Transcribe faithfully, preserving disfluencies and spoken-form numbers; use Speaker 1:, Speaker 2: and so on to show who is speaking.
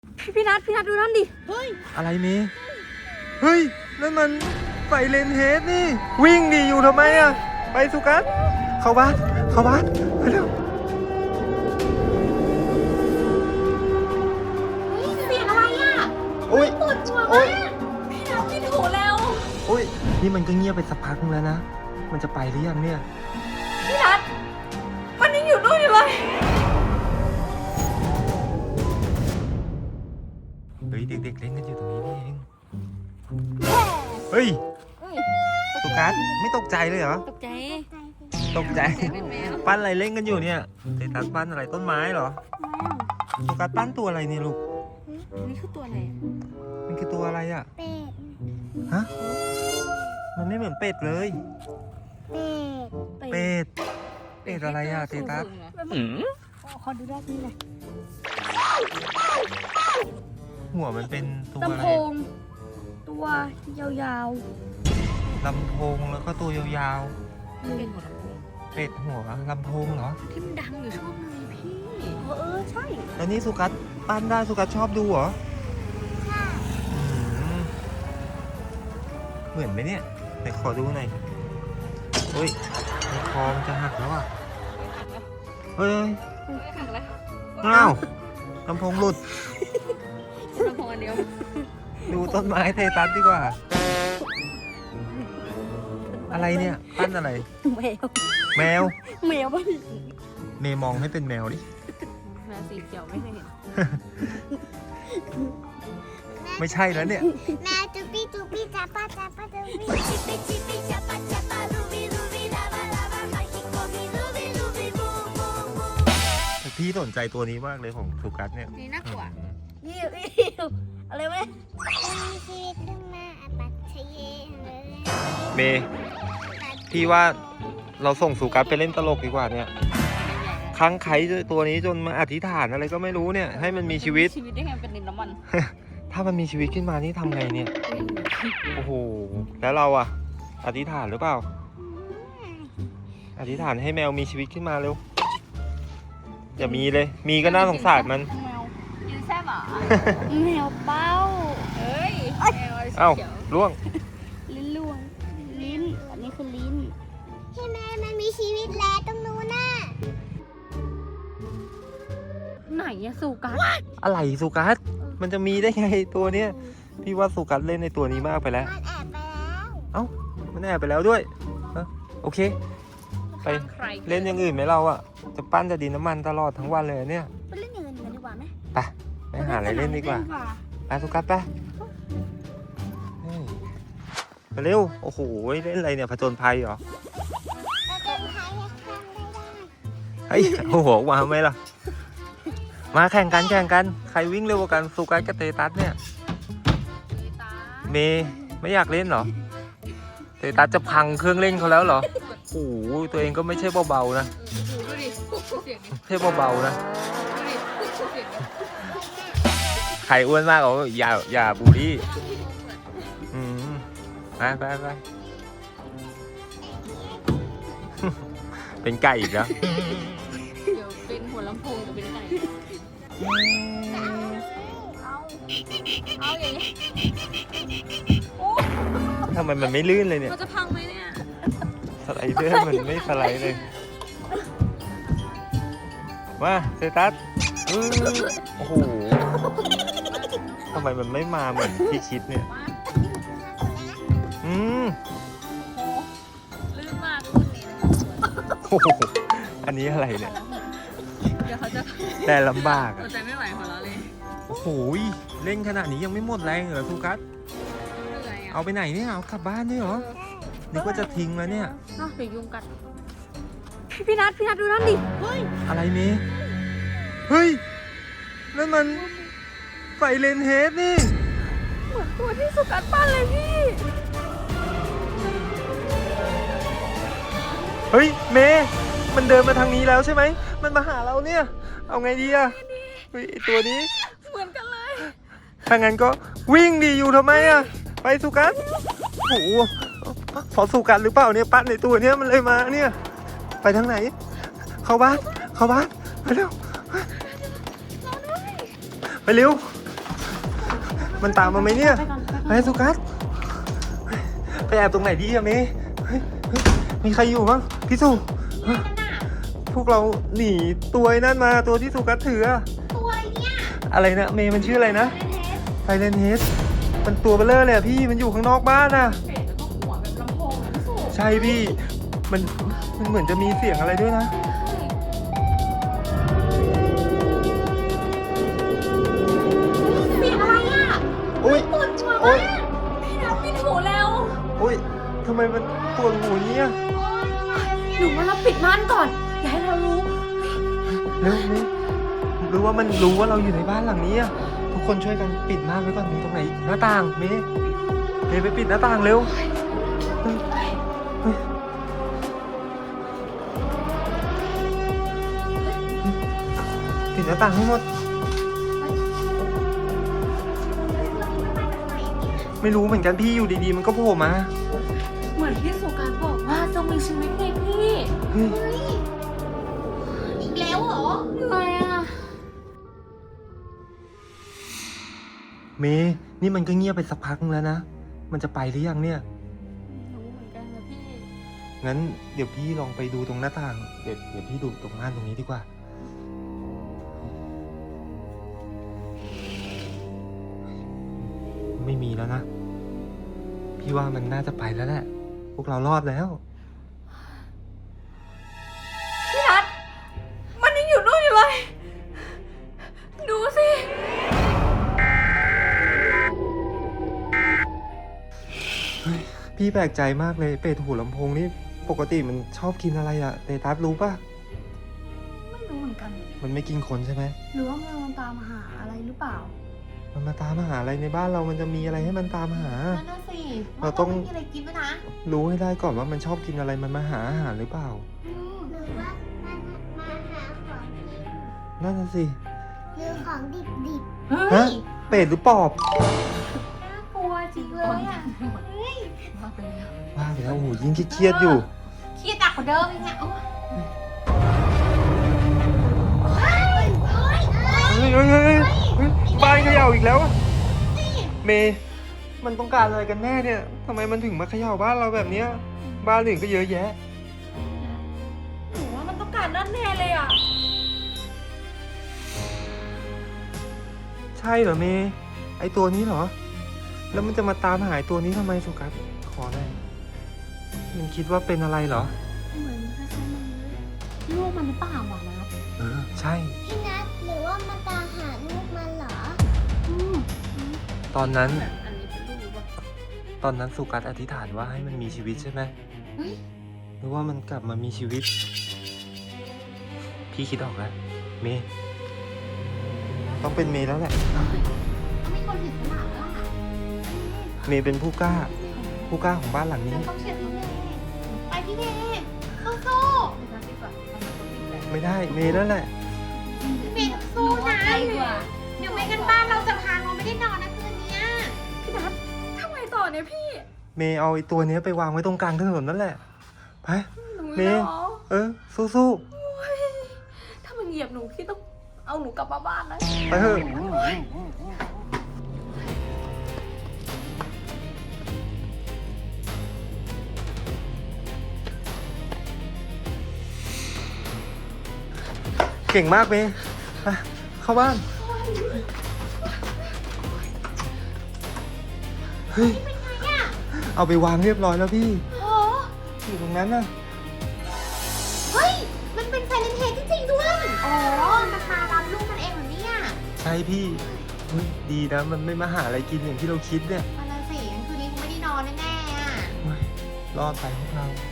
Speaker 1: พี่พี่นัทพี่นัทดูนั่นดิเฮ้ย
Speaker 2: อะไรเมย์เฮ้ยนั่นมันไฟเลนเฮดนี่วิ่งดิอยู่ทำไมอะไปสุกัสเข้าบ้านเข้าบ้านไปเร็ว
Speaker 1: เสียงอะไรอ่ะ
Speaker 2: อุ้ย
Speaker 1: ปวดหัวมากพี่นัทพี่ถูแล้ว
Speaker 2: อุ้ยนี่มันก็เงียบไปสักพักนึงแล้วนะมันจะไปหรือยังเนี่ย
Speaker 1: พี่นัทมันยังอยู่นู่นอยู่เลย
Speaker 2: เฮ้ยเด็กๆเล่นกันอยู่ตรงนี้นี่เองเฮ้ยสุกัสไม่ตกใจเลยเหรอ
Speaker 1: ตกใจ
Speaker 2: ตกใจปั้นอะไรเล่นกันอยู่เนี่ยเตตัสปั้นอะไรต้นไม้เหรอสุกัสปั้นตัวอะไรเนี่ยลูก
Speaker 1: นี่คือตัวอะไร
Speaker 2: มันคือตัวอะไรอ่ะ
Speaker 3: เป็ด
Speaker 2: ฮะมันไม่เหมือนเป็ดเลย
Speaker 3: เป็ด
Speaker 2: เป็ดเป็ดอะไรอ่ะเตตัส
Speaker 1: ขอดูด้านนี้หน่อย
Speaker 2: หัวมันเป็นตัวอะไร
Speaker 1: ลำโพงตัวยาว
Speaker 2: ๆลำโพงแล้วก็ตัวยาว
Speaker 1: ๆเป็นหัวลำโพง
Speaker 2: เป็ดหัวลำโพงเหรอ
Speaker 1: ที่มันดังอยู่ช่วงนึงพี่เออใช่
Speaker 2: แล้วนี่สุกัสปั้นได้สุกัสชอบดูเหรอเหมือนไหมเนี่ยไหนขอดูหน่อยเฮ้ยคอมจะหักแล้วอ่ะเฮ้ย
Speaker 1: หักแล้ว
Speaker 2: อ้าวลำโพงหลุด
Speaker 1: ลำโพงอันเดียว
Speaker 2: ดูต้นไม้เทตัสดีกว่าอะไรเนี่ยปั้นอะไร
Speaker 1: แมว
Speaker 2: แมว
Speaker 1: แมวป่ะ
Speaker 2: เมย์มองให้เป็นแมวดิ
Speaker 1: แมวสีเขียวไม่เคยเห็น
Speaker 2: ไม่ใช่แล้วเนี่ย
Speaker 3: แมวจูปี้จูปี้จับปะจับปะจูปี้จิปปี้จิปปี้จับปะจับปะรูบี้รูบี้ลาบาลาบาไฮคิโกมิรูบี้รูบี้บูบูบู
Speaker 2: พี่สนใจตัวนี้มากเลยของสุกัสเนี่ย
Speaker 1: นี่น่ากลัว
Speaker 3: อิวอิวอะไรวะมีชีวิตขึ้นมาปัจเจเยเลย
Speaker 2: เมย์พี่ว่าเราส่งสุกัสไปเล่นตลกดีกว่าเนี่ยค้างไข่ตัวนี้จนมาอธิษฐานอะไรก็ไม่รู้เนี่ยให้มันมีชีวิต
Speaker 1: ชีวิตได้ไงเป็นดินน้ำมัน
Speaker 2: ถ้ามันมีชีวิตขึ้นมานี่ทำไงเนี่ยโอ้โหแล้วเราอะอธิษฐานหรือเปล่าอธิษฐานให้แมวมีชีวิตขึ้นมาเร็วอย่ามีเลยมีก็น่าสงสารมัน
Speaker 1: แมวยืนแซ่บอ่ะแมวเป้าเฮ้ยแมว
Speaker 2: เอ้าล่วง
Speaker 1: ลิ้นล่วงลิ้นอันนี้คือลิ้น
Speaker 3: พี่แม่มันมีชีวิตแล้วตรงนู้นน่ะ
Speaker 1: ไหนอะสุกัส
Speaker 2: อะไรสุกัสมันจะมีได้ไงตัวเนี้ยพี่ว่าสุกัสเล่นในตัวนี้มากไปแล้ว
Speaker 3: มันแอบไปแล้ว
Speaker 2: เอ้ามันแอบไปแล้วด้วยโอเคไปเล่นอย่างอื่นไหมเราอะจะปั้นจะดินน้ำมันตลอดทั้งวันเลยเนี่ย
Speaker 1: ไปเล่นอย่างอื่นกันดีกว่าไหม
Speaker 2: ไปไปหาอะไรเล่นดีกว่าไปสุกัสไปไปเร็วโอ้โหเล่นอะไรเนี่ยผจญภัยเหรอเฮ้ยโอ้โหมาไหมล่ะมาแข่งกันแข่งกันใครวิ่งเร็วกว่ากันสุกัสกับเตตัสเนี่ยเมย์ไม่อยากเล่นเหรอเตตัสจะพังเครื่องเล่นเขาแล้วเหรอโอ้โหตัวเองก็ไม่ใช่เบาๆนะไม่ใช่เบาๆนะใครอ้วนมากอ๋ออย่าอย่าบูลลี่อืมไปไปไปเป็นไก่อีกแล้ว
Speaker 1: เดี๋ยวเป็นหัวลำโพงจะเป็นไก่เอาเอาอย่างนี้
Speaker 2: ทำไมมันไม่ลื่นเลยเนี่ย
Speaker 1: มันจะพังไหมเนี่ย
Speaker 2: สไลเดอร์มันไม่สไลด์เลยมาเซตัสโอ้โหทำไมมันไม่มาเหมือนที่คิดเนี่ยอืม
Speaker 1: ลื่นมากคุณนี่
Speaker 2: โอ้โหอันนี้อะไรเนี่ย
Speaker 1: เดี๋ยวเขาจะ
Speaker 2: แต่ลำบากอ่ะ
Speaker 1: ใจไม่ไหวของเราเลย
Speaker 2: โอ้โหเล่นขนาดนี้ยังไม่หมดแรงเหรอสุกัสเอาไปไหนเนี่ยเอากลับบ้านด้วยเหรอนึกว่าจะทิ้งแล้วเนี่ย
Speaker 1: น่าเดี๋ยวยุงกัดพี่พี่นัทพี่นัทดูนั่นดิเฮ้ย
Speaker 2: อะไรเมย์เฮ้ยนั่นมันไฟเลนเฮดนี่
Speaker 1: เหมือนตัวที่สุกัสปั้นเลยพี่
Speaker 2: เฮ้ยเมย์มันเดินมาทางนี้แล้วใช่ไหมมันมาหาเราเนี่ยเอาไงดีอะเฮ้ยตัวนี้
Speaker 1: เหมือนกันเลย
Speaker 2: ถ้างั้นก็วิ่งดีอยู่ทำไมอะไปสุกัสโอ้โหพอสุกัสหรือเปล่าเนี่ยปั้นในตัวเนี้ยมันเลยมาเนี่ยไปทางไหนเข้าบ้านเข้าบ้านไปเร็วไปเร็วมันตามมาไหมเนี่ย
Speaker 1: ไปก่อนไปก่อน
Speaker 2: ไปสุกัสไปแอบตรงไหนดีอะเมย์เฮ้ยเฮ้ยมีใครอยู่บ้างพี่สุเฮ้ยพวกเราหนีตัวไอ้นั่นมาตัวที่สุกัสถืออะ
Speaker 3: ตัวเนี่ย
Speaker 2: อะไรนะเมย์มันชื่ออะไรนะไซเลนเฮดมันตัวเบลเลอร์เลยอะพี่มันอยู่ข้างนอกบ้านอะ
Speaker 1: เป็ดแล้วก็หัวแบบลำโพงอะพี่สุ
Speaker 2: ใช่พี่มันมันเหมือนจะมีเสียงอะไรด้วยนะ
Speaker 3: เสียงอะไรอ่ะ
Speaker 2: อุ้ย
Speaker 3: ปวดหัว
Speaker 2: โอ้
Speaker 3: มาย ก
Speaker 1: พี่นัทปิดหูแล้ว
Speaker 2: อุ้ยทำไมมันปวดหัวเงี้ย
Speaker 1: หนูว่าเราปิดม่านก่อน อย่าให้เรารู้
Speaker 2: เร็วเมย์หรือว่ามันรู้ว่าเราอยู่ในบ้านหลังนี้อะทุกคนช่วยกันปิดม่านไว้ก่อนมีตรงไหนอีกหน้าต่างเมย์เมย์ไปปิดหน้าต่างเร็วเฮ้ยเฮ้ยปิดหน้าต่างให้หมด ไม่รู้เหมือนกันพี่อยู่ดีๆมันก็โผล่มา
Speaker 1: เหมือนที่สุการบอกว่าจงมีชีวิตไงพี่
Speaker 2: เฮ้ย
Speaker 3: อีกแล้วเหรอ
Speaker 1: เหนื่อยอ่ะ
Speaker 2: เมย์นี่มันก็เงียบไปสักพักนึงแล้วนะมันจะไปหรือยังเนี่ย
Speaker 1: ไม่รู้เหมือนกันนะพี่
Speaker 2: งั้นเดี๋ยวพี่ลองไปดูตรงหน้าต่างเดี๋ยวเดี๋ยวพี่ดูตรงม่านตรงนี้ดีกว่าไม่มีแล้วนะ พี่ว่ามันน่าจะไปแล้วแหละ พวกเรารอดแล้ว
Speaker 1: พี่นัทมันยังอยู่นู่นอยู่เลย ดูสิ
Speaker 2: พี่แปลกใจมากเลยเป็ดหูลำโพงนี่ปกติมันชอบกินอะไรอะเตตัสรู้ปะ
Speaker 1: ไม่รู้เหมือนกัน
Speaker 2: มันไม่กินคนใช่ไหม
Speaker 1: หรือว่ามันตามหาอะไรหรือเปล่า
Speaker 2: มันมาตามหาอะไรในบ้านเรามันจะมีอะไรให้มันตามหา
Speaker 3: นั่นน่ะสิ
Speaker 2: เราต้อง
Speaker 3: ไม่มีอะไรกินด้วยนะ
Speaker 2: รู้ให้ได้ก่อนว่ามันชอบกินอะไรมันมาหาอาหารหรือเปล่า
Speaker 3: หรือว่ามันมาหาของกิน
Speaker 2: นั่นน่ะสิ
Speaker 3: หรือของดิบดิบ
Speaker 1: เฮ้
Speaker 2: ฮะ
Speaker 1: ย
Speaker 2: เป็ดหรือปอบ
Speaker 3: ๆน่ากลัวจริงเลยอ่ะเฮ้ย
Speaker 1: ว่าไปแล้ว
Speaker 2: ว่าไปแล้วโอ้โหยิ่งเครียดๆอยู่
Speaker 3: เครียดหนักกว่าเดิมอีกเนี่ยโอ้ยเฮ้ยเฮ้ยเฮ้ย
Speaker 2: เฮ้ยเฮ้ยเฮ้ยเฮ้ยบ้านเขย่าอีกแล้วอะเมย์มันต้องการอะไรกันแน่เนี่ยทำไมมันถึงมาเขย่าบ้านเราแบบเนี้ย บ้านอื่นก็เยอะแยะ
Speaker 1: หนูว่ามันต้องการนั่นแน่เลยอ่ะ
Speaker 2: ใช่เหรอเมย์ไอตัวนี้เหรอ แล้วมันจะมาตามหาไอ้ตัวนี้ทำไมสุกัสขอได้มันคิดว่าเป็นอะไรเหรอ
Speaker 1: เหมือนคล้ายๆมันเลยลูกมันหรือเปล่าวะนะ
Speaker 2: เออใช่
Speaker 3: พี่นัทหรือว่ามันตามหาลูกมันเหรอ
Speaker 1: อืม
Speaker 2: ตอนนั้น
Speaker 1: อันนี้เป็นลูกป่ะ
Speaker 2: ตอนนั้นสุกัสอธิษฐานว่าให้มันมีชีวิตใช่ไหม
Speaker 1: เฮ้ย
Speaker 2: หรือว่ามันกลับมามีชีวิต พี่คิดออกแล้ว เมย์ต้องเป็นเมย์แล้วแหละ
Speaker 3: ต้องมีคนเห็นขนาดแล้วอ่ะ
Speaker 2: เมย์เป็นผู้กล้า ผู้กล้าของบ้านหลังนี้
Speaker 3: ต้องเช็ดน้องเมย์ไปพี่เมย์สู้
Speaker 1: ไม่ได้ดีกว่ามันต้องปิดแหละ
Speaker 2: ไม่ได้เมย์นั่นแหละ
Speaker 3: ๆพี่เมย์ต้องสู้นะ
Speaker 1: ดีกว่า
Speaker 3: เดี๋ยวไม่กันบ้านเราจะพังเราไม่ได้นอนนะคืนเนี้ย
Speaker 1: พี่นัททำไงต่อเนี่ยพี่
Speaker 2: เมย์เอาไอ้ตัวเนี้ยไปวางไว้ตรงกลางถนนนั่นแหละ ไป
Speaker 1: หนู
Speaker 2: เม
Speaker 1: ไม่
Speaker 2: ย์
Speaker 1: หรอ
Speaker 2: เออ สู้
Speaker 1: ถ้ามันเหยียบหนูพี่ต้องเอาหนูกลับมาบ้านนะ
Speaker 2: ๆ ไปเถอะเก่งมากเมย์ไปเข้าบ้าน เฮ้ย เอาไปวางเรียบร้อยแล้วพี่
Speaker 3: โอ้
Speaker 2: อยู่ตรงนั้นน่ะ
Speaker 3: เฮ้ย มันเป็นไซเลนเฮดจริงๆด้วย อ๋อ มันมารับลูกมันเองเหรอเนี่ย
Speaker 2: ใช่พี่เฮ้ยดีนะ มันไม่มาหาอะไรกินอย่างที่เราคิดเนี่ย
Speaker 3: มันน่ะสิงั้นคืนนี้คงไม่ได้นอนแน่ๆอ่ะ
Speaker 2: เฮ้ยรอดไปพวกเรา
Speaker 3: เ